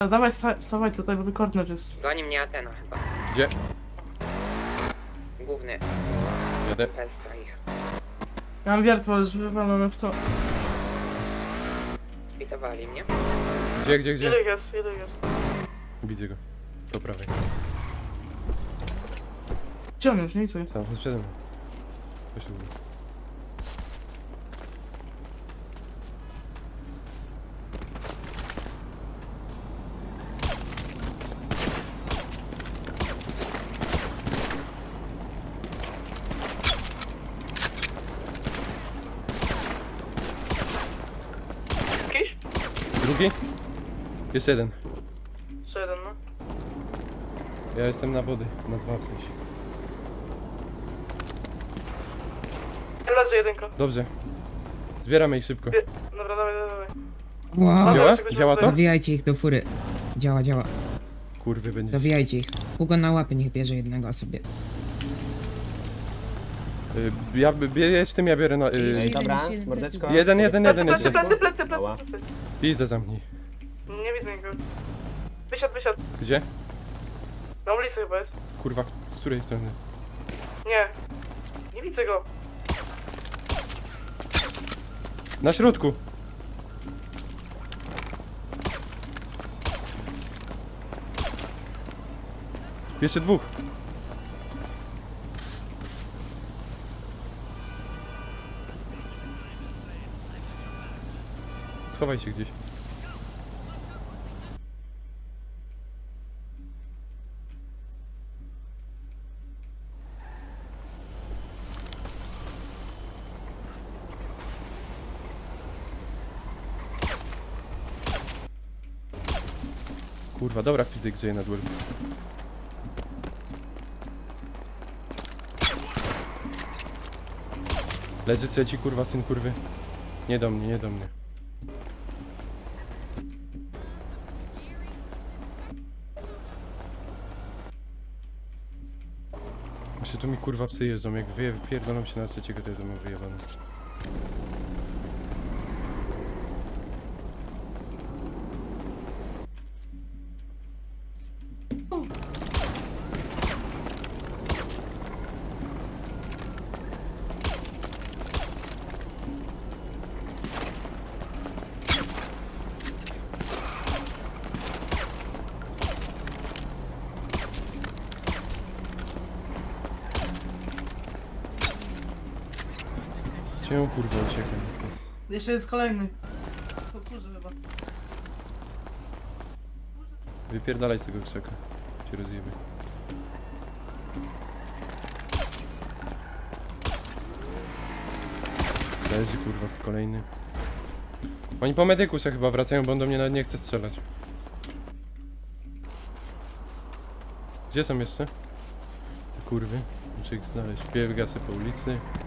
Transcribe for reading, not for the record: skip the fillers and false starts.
A dawaj, stawaj tutaj, bo kornet jest. Goni mnie Atena chyba. Gdzie? Główny. Jadę. Pestra ich. Ja mam wiertło, jest wywalone w to. Spitowali mnie. Gdzie? Ile jest, ile jest? Widzę go. Po prawej. Gdzie on jest? Nie widzę. Sam, przede mną. Chodź tu. Jakiś? Drugi? Jest jeden. Co jeden, no? Ja jestem na wody. Na dwa w sensie. Leży jedynka. Dobrze. Zbieramy ich szybko. Dobra, dawaj. Wow. Działa? Działa to? Zawijajcie ich do fury. Działa, działa. Kurwy będzie. Zawijajcie ich. Hugo na łapy niech bierze jednego sobie. Jedź tym, ja biorę na... Ej, Dobra, jeden, mordeczko. jeden jest. Plecy. Mała. Pizdę zamknij. Nie widzę nikogo. Wysiadł. Gdzie? Na ulicy chyba jest. Kurwa, z której strony? Nie widzę go. Na środku! Jeszcze dwóch. Schowaj się gdzieś. Kurwa, dobra, fizyk grzeje na duel. Leży trzeci, kurwa, syn kurwy. Nie do mnie. Jeszcze tu mi kurwa psy jeżdżą, jak wypierdolą się na trzeciego, to ja to mam wyjebane. Czemu kurwa uciekam? Jeszcze jest kolejny. Co kurze chyba. Wypierdalaj z tego krzaka. Cię rozjebie. Leży kurwa kolejny. Oni po medykusa chyba wracają, bo on do mnie nawet nie chce strzelać. Gdzie są jeszcze? Te kurwy. Muszę ich znaleźć. Biega sobie po ulicy.